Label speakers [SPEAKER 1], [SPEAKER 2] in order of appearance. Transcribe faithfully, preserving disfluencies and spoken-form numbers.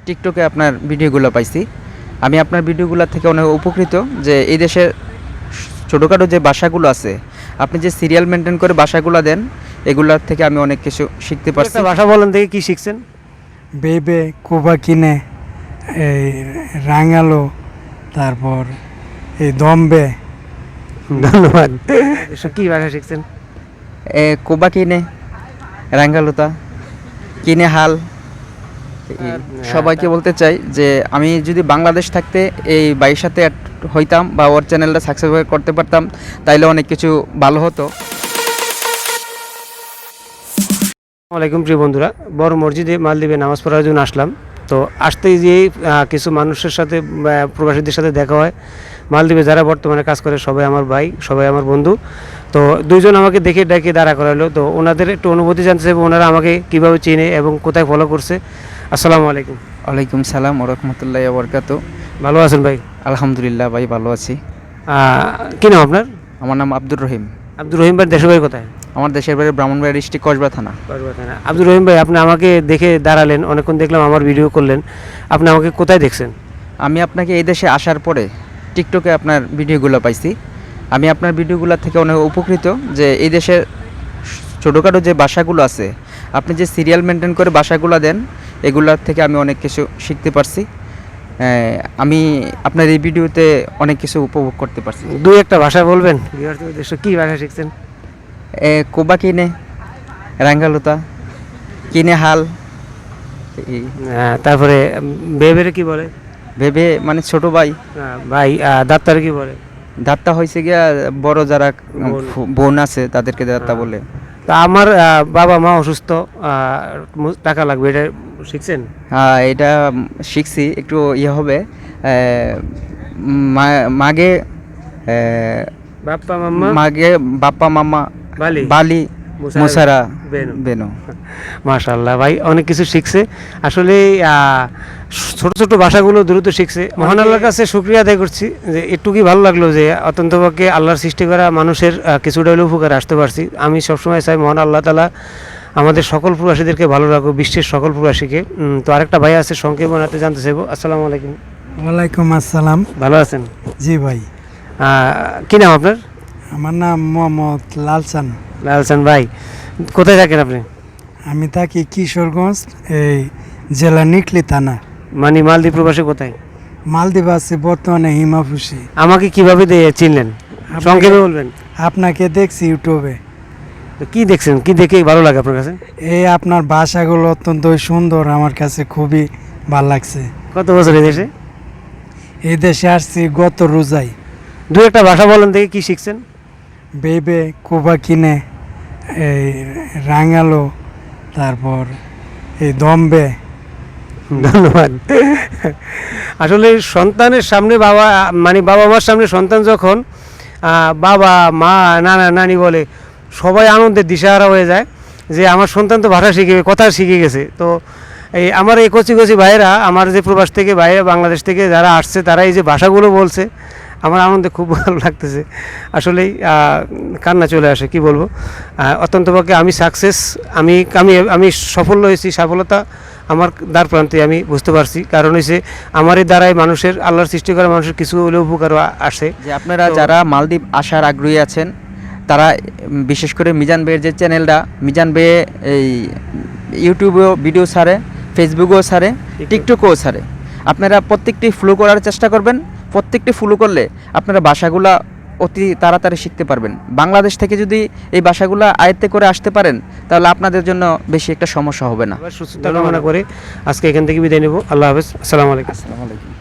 [SPEAKER 1] টিকটকে আপনার ভিডিওগুলো পাইছি। আমি আপনার ভিডিওগুলো থেকে অনেক উপকৃত যে এই দেশের ছোটোখাটো যে ভাষাগুলো আছে, আপনি যে সিরিয়াল মেনটেন করে ভাষাগুলো দেন, এগুলার থেকে আমি অনেক কিছু শিখতে পারছি।
[SPEAKER 2] একটা ভাষা বলেন থেকে কি শিখছেন?
[SPEAKER 3] বেবে কোবা কিনে, এই রাঙালো, তারপর এই দম্বে।
[SPEAKER 2] ধন্যবাদ। এসব কি ভাষা শিখছেন?
[SPEAKER 1] এ কোবা কিনে, রাঙ্গালুতা, কিনে হাল। এই সবাইকে বলতে চাই যে আমি যদি বাংলাদেশ থাকতে এই বাইয়ের সাথে অ্যাড হইতাম বা ওর চ্যানেলটা সাকসেসফুল করতে পারতাম, তাইলে অনেক কিছু ভালো হতো।
[SPEAKER 2] আসসালামাইকুম প্রিয় বন্ধুরা, বড় মসজিদে মালদ্বীপে নামাজ পড়ার জন্য আসলাম। তো আসতেই যে কিছু মানুষের সাথে প্রবাসীদের সাথে দেখা হয়। মালদ্বীপে যারা বর্তমানে কাজ করে সবাই আমার ভাই, সবাই আমার বন্ধু। তো দুইজন আমাকে দেখে ডেকে দাঁড়া করালো। তো ওনাদের একটু অনুভূতি জানতে চাইবো, ওনারা আমাকে কীভাবে চিনে এবং কোথায় ফলো করছে। আসসালামু আলাইকুম।
[SPEAKER 1] ওয়ালাইকুম সালাম ওয়া রাহমাতুল্লাহি ওয়া বারাকাতুহু।
[SPEAKER 2] ভালো আছেন ভাই?
[SPEAKER 1] আলহামদুলিল্লাহ ভাই, ভালো আছি।
[SPEAKER 2] কী নাম আপনার?
[SPEAKER 1] আমার নাম আব্দুর রহিম।
[SPEAKER 2] আব্দুর রহিম ভাই, দেশের বাড়ি কোথায়?
[SPEAKER 1] আমার দেশের বাড়ি ব্রাহ্মণবাড়িয়া ডিস্ট্রিক্ট কসবা থানা।
[SPEAKER 2] কসবা থানা। আব্দুর রহিম ভাই, আপনি আমাকে দেখে দাঁড়ালেন, অনেকক্ষণ দেখলাম আমার ভিডিও করলেন। আপনি আমাকে কোথায় দেখছেন?
[SPEAKER 1] আমি আপনাকে এই দেশে আসার পরে টিকটকে আপনার ভিডিওগুলো পাইছি। আমি আপনার ভিডিওগুলো থেকে অনেক উপকৃত যে এই দেশের ছোটোখাটো যে ভাষাগুলো আছে, আপনি যে সিরিয়াল মেনটেন করে ভাষাগুলো দেন, এগুলার থেকে আমি অনেক কিছু শিখতে পারছি। আমি আপনার এই ভিডিওতে অনেক কিছু উপভোগ করতে পারছি।
[SPEAKER 2] দুই একটা ভাষা বলবেন? কি ভাষা শিখছেন?
[SPEAKER 1] এ কোবা কিনে, রাঙ্গালুতা, কিনে হাল।
[SPEAKER 2] তারপরে বেবেরে কি বলে?
[SPEAKER 1] ভেবে মানে ছোট ভাই।
[SPEAKER 2] ভাই দাত্তারে কি বলে?
[SPEAKER 1] দাত্তা হয়েছে গিয়া বড় যারা বোন আছে তাদেরকে দাত্তা বলে।
[SPEAKER 2] তা আমার বাবা মা অসুস্থ, টাকা লাগবে, এটা শিখছেন?
[SPEAKER 1] হ্যাঁ, এটা শিখছি। একটু ইয়ে হবে, মাগে
[SPEAKER 2] বাপ্পা মাম্মা,
[SPEAKER 1] মাগে বাপ্পা মাম্মা,
[SPEAKER 2] বালি
[SPEAKER 1] বালি মুসারা বেনো।
[SPEAKER 2] মাশাআল্লাহ ভাই, অনেক কিছু শিখছে। আসলে ছোট ছোট ভাষাগুলো দ্রুত শিখছে। মহান আল্লাহর কাছে শুকরিয়া আদায় করছি যে একটুকুই ভালো লাগলো যে অত্যন্তপক্ষে আল্লাহর সৃষ্টি করা মানুষের কিছুটা হলেও উপকারে আসতে পারছি। আমি সবসময় চাই মহান আল্লাহ তাআলা আমাদের সকল প্রবাসীদেরকে ভালো রাখো, বিশ্বের সকল প্রবাসীকে। তো আরেকটা ভাই আছে, সংক্ষেপ বানাতে জানতে চাইবো। আসসালামু আলাইকুম।
[SPEAKER 3] ওয়ালাইকুম আসসালাম।
[SPEAKER 2] ভালো আছেন?
[SPEAKER 3] জি ভাই।
[SPEAKER 2] কী নাম আপনার?
[SPEAKER 3] আমার নাম মোহাম্মদ লালচান।
[SPEAKER 2] লালচান ভাই, কোথায় থাকেন আপনি?
[SPEAKER 3] আমি থাকি কিশোরগঞ্জ, এই জেলা নিকলি থানা।
[SPEAKER 2] মানে মালদ্বীপ প্রবাসী কোথায়?
[SPEAKER 3] মালদ্বীপ আছে বর্তমানে হিমাফুসি।
[SPEAKER 2] আমাকে কিভাবে চিনলেন সংক্ষেপে বলবেন?
[SPEAKER 3] আপনাকে দেখছি ইউটিউবে।
[SPEAKER 2] তো কি দেখছেন, কি দেখে ভালো লাগে আপনার কাছে?
[SPEAKER 3] এই আপনার ভাষাগুলো অত্যন্ত সুন্দর, আমার কাছে খুবই ভালো লাগছে।
[SPEAKER 2] কত বছর এই দেশে?
[SPEAKER 3] এই দেশে আসছি গত রোজাই।
[SPEAKER 2] দু একটা ভাষা বলেন দেখে কি শিখছেন?
[SPEAKER 3] বেবে কোবা কিনে, এই রাঙালো, তারপর এই দম্বে।
[SPEAKER 2] ধন্যবাদ। আসলে সন্তানের সামনে বাবা, মানে বাবা মার সামনে সন্তান যখন বাবা মা নানা নানি বলে, সবাই আনন্দের দিশাহারা হয়ে যায় যে আমার সন্তান তো ভাষা শিখে, কথা শিখে গেছে। তো এই আমার এই কচি কচি ভাইয়েরা, আমার যে প্রবাস থেকে বাইরে বাংলাদেশ থেকে যারা আসছে, তারা এই যে ভাষাগুলো বলছে, আমার আনন্দে খুব ভালো লাগতেছে। আসলেই কান্না চলে আসে, কি বলবো। অত্যন্তপক্ষে আমি সাকসেস, আমি আমি আমি সফল হয়েছি। সফলতা আমার দ্বার প্রান্তে আমি বুঝতে পারছি। কারণ হচ্ছে আমার এই দ্বারাই মানুষের, আল্লাহর সৃষ্টি করা মানুষের কিছু হলেও উপকার আসে।
[SPEAKER 1] যে আপনারা যারা মালদ্বীপ আসার আগ্রহী আছেন, তারা বিশেষ করে মিজান বেয়ের যে চ্যানেলটা, মিজান বেয়ে এই ইউটিউবেও ভিডিও ছাড়ে, ফেসবুকেও ছাড়ে, টিকটকেও ছাড়ে। আপনারা প্রত্যেকটি ফলো করার চেষ্টা করবেন। প্রত্যেকটি ফলো করলে আপনারা ভাষাগুলা অতি তাড়াতাড়ি শিখতে পারবেন। বাংলাদেশ থেকে যদি এই ভাষাগুলো আয়ত্তে করে আসতে পারেন, তাহলে আপনাদের জন্য বেশি একটা সমস্যা হবে না।
[SPEAKER 2] সুস্থতা কামনা করে আজকে এখান থেকে বিদায় নেব। আল্লাহ হাফেজ। আসসালামু আলাইকুম।
[SPEAKER 1] আসসালামু আলাইকুম।